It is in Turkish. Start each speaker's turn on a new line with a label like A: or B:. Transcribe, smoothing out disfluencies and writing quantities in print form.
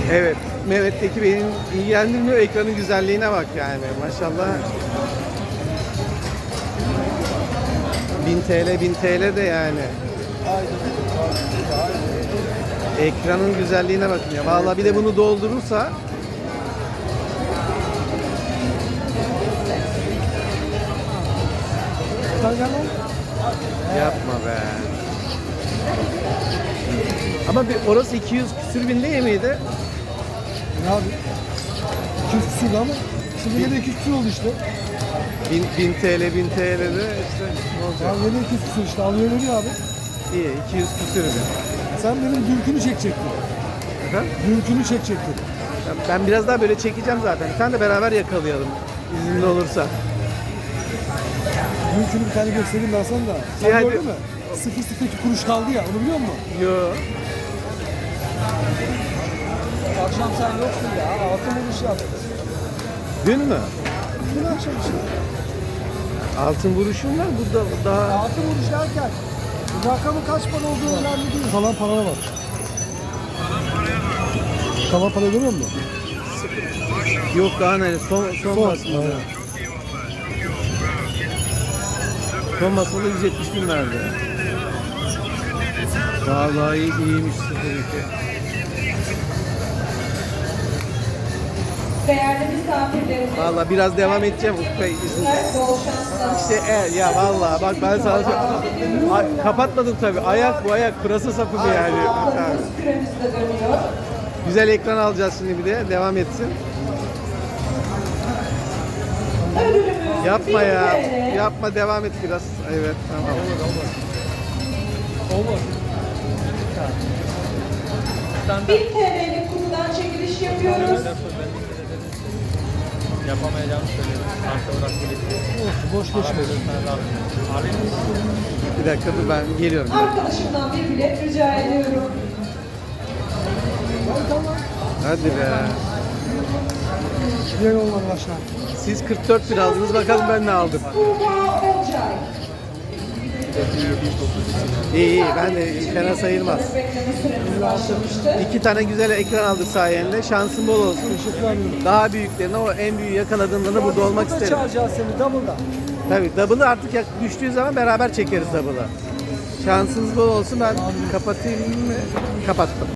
A: Evet, Mehmet'teki benim ilgilendirmiyor. Ekranın güzelliğine bak yani. Maşallah. 1000 TL, 1000 TL de yani. Ekranın güzelliğine bakın ya. Vallahi bir de bunu doldurursa yapma be. Ama orası 200 küsür bin değil miydi?
B: Ne abi? 200 küsur ama şimdi yine 200 küsur oldu işte.
A: 1000 TL, 1000 TL'de işte ne olacak?
B: Ya yine 200 küsur işte alıyor veriyor abi.
A: İyi, 200 küsür bin.
B: Sen benim dünkünü çekecektin.
A: Efendim?
B: Dünkünü çekecektin.
A: Ben biraz daha böyle çekeceğim zaten. Sen de beraber yakalayalım. İzinli olursa.
B: Dünkünü bir tane göstereyim ben sana da. Sen
A: hadi.
B: gördün mü? 0,02 kuruş kaldı ya onu biliyor musun?
A: Yo.
B: Akşam sen yoksun ya. Altın vuruş yaptın.
A: Dün mü?
B: Dün akşam işte.
A: Altın vuruşum var. Burada daha...
B: Altın vuruş derken rakamın kaç para olduğu önemli değil. Kalan parana bak. Kalan para görüyor musun?
A: Yok daha ne? Son basmada.
B: Evet.
A: Son basmada 170 bin verdi. Vallahi iyiymiş 02.
C: Değerli misafirlerimiz.
A: Vallahi biraz devam edeceğim Ufuk Bey izin.
C: Bol şanslar.
A: İşte ya vallahi bak ben sana kapatmadım tabii. Ayak bu ayak pırasa sapı bu yani.
C: Ablamız küremizde dönüyor.
A: Güzel ekran alacağız şimdi bir de. Devam etsin.
C: Ödülümüz
A: Yapma
C: 1000
A: ya.
C: TL.
A: Yapma devam et biraz. Evet tamam.
B: Olmaz.
C: 1000 TL'lik kutudan çekiliş yapıyoruz.
D: Yapamayacağımı söyledim. Arka olarak
B: Olsun boş geçmesin.
A: Bir dakika dur ben geliyorum.
C: Arkadaşımdan bir bilet rica ediyorum.
A: Hadi be.
B: Yer olmadı aşağı.
A: Siz 44 bin aldınız bakalım ben ne aldım.
C: Tuğba Olcay.
A: İyi iyi ben de fena sayılmaz.
C: Bekleme süremiz başlamıştı.
A: 2 tane güzel ekran aldık sayende. Şansın bol olsun.
B: Teşekkür ederim.
A: Daha büyüklerini o en büyüğü yakaladığında da burada olmak isterim.
B: Çağıracağız seni double'da.
A: Tabii double'ı artık düştüğü zaman beraber çekeriz double'ı. Şansınız bol olsun ben kapatayım mı? Kapattım.